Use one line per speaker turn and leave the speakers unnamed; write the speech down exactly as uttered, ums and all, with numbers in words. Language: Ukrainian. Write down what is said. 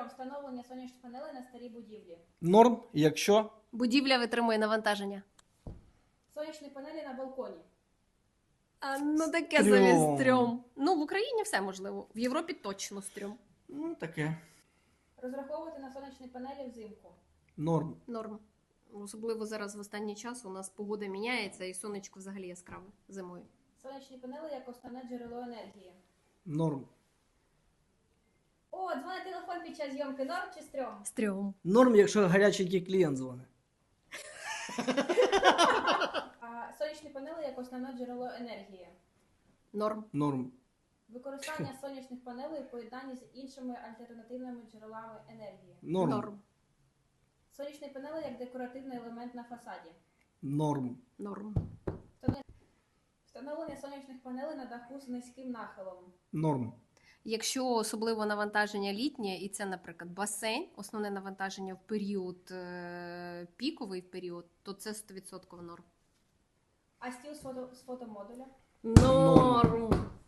Трьом. Встановлення сонячних панелей на старій будівлі.
Норм, якщо
Будівля витримує навантаження.
Сонячні панелі на балконі.
А, ну таке
Стрьом.
собі стрьом. Ну, в Україні все можливо. В Європі точно стрьом.
ну таке.
Розраховувати на сонячні панелі взимку.
Норм.
Норм. Особливо зараз в останній час у нас погода міняється і сонечко взагалі яскраве зимою.
Сонячні панели як основне джерело енергії.
Норм.
О, дзвонить телефон під час зйомки. Норм чи стрьом?
Стрьом.
Норм, якщо гаряченький клієнт дзвонить.
А, сонячні панели як основне джерело енергії.
Норм.
Норм.
Використання сонячних панелей у поєднанні з іншими альтернативними джерелами енергії.
Норм.
Норм.
Сонячні панели як декоративний елемент на фасаді.
Норм.
Норм.
Встановлення сонячних панелей на даху з низьким нахилом.
Норм.
Якщо особливо навантаження літнє, і це, наприклад, басейн, основне навантаження в період е- піковий період, то це сто відсотків норм.
А стіл з, фото, з фотомодуля.
Норм.